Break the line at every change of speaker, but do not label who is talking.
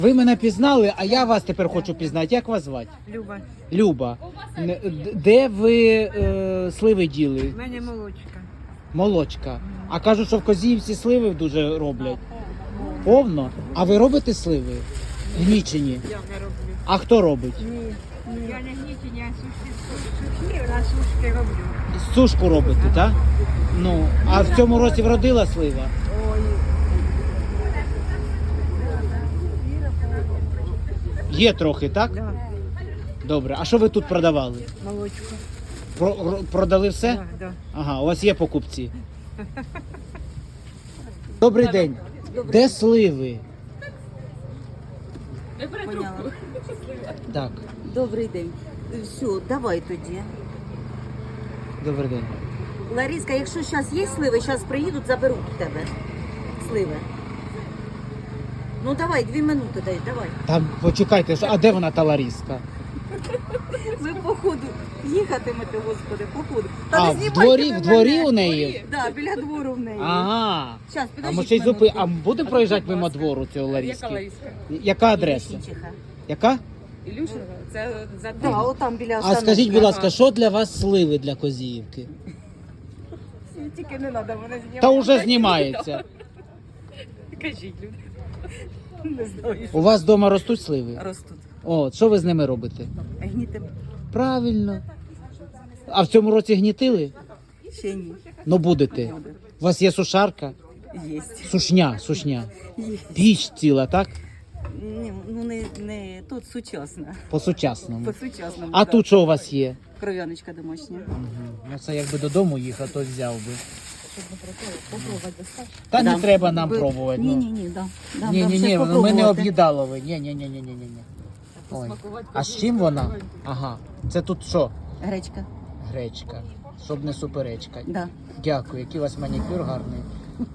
Ви мене пізнали, а я вас тепер хочу пізнати. Як вас звати?
Люба,
Люба. Де ви сливи діли?
в мене молочка.
Молочка. А кажуть, що в Козіївці сливи дуже роблять. Повно? А ви робите сливи? Гнічені.
Я не роблю.
А хто робить?
Ні. Я не гнічені, а сушки на сушки роблю.
Сушку робите, так? Ну, а в цьому році вродила слива?
Ой,
Є трохи, так?
да,
Добре. А що ви тут продавали?
молочко.
Продали все?
Да, да.
Ага, у вас є покупці. Добрий день. Де сливи?
Поняла.
Так,
Добрий день. Все, давай тоді.
добрий день.
Лариска, якщо зараз є сливи, зараз приїдуть, заберуть в тебе сливи. Ну давай, 2 минути дай, давай.
Там почекайте, а де вона та Ларіска?
Ви по ходу їхатимете, господи, по ходу.
А, в дворі у неї?
Да, біля двору в неї.
Ага.
Щас,
А
підождіть
ми ще й
минутку.
а будемо проїжджати мимо двору цього Ларіски? Яка адреса?
Ілюшинчиха.
Яка?
Ілюшина, це за
Да, отам біля
А
остановки.
скажіть, будь ласка, що для вас сливи для Козіївки?
тільки не треба мене знімати.
Та вже знімається.
Кажіть, люди.
Не знаю.
У вас вдома ростуть сливи?
Ростуть.
О, що ви з ними робите?
Гнітим.
Правильно. А в цьому році гнітили?
Ще ні.
Ну будете. У вас є сушарка?
Єсть.
Сушня.
Є.
Піч ціла, так?
Ні, ну не тут сучасно.
По-сучасному.
По-сучасному.
А
да.
тут що у вас є?
Кров'яночка домашня.
Ну це якби додому їхав, то взяв би. Та
Да.
не треба нам
Ви-
пробувати.
Ні,
ну.
ні, ні, да. Да,
Ні,
да,
ні,
все
ні, ми не
попробувати.
об'їдалови. Ні. Ой. А з чим вона? Ага. Це тут що?
Гречка.
Гречка. Щоб не суперечка.
Да.
Дякую, який у вас манікюр гарний.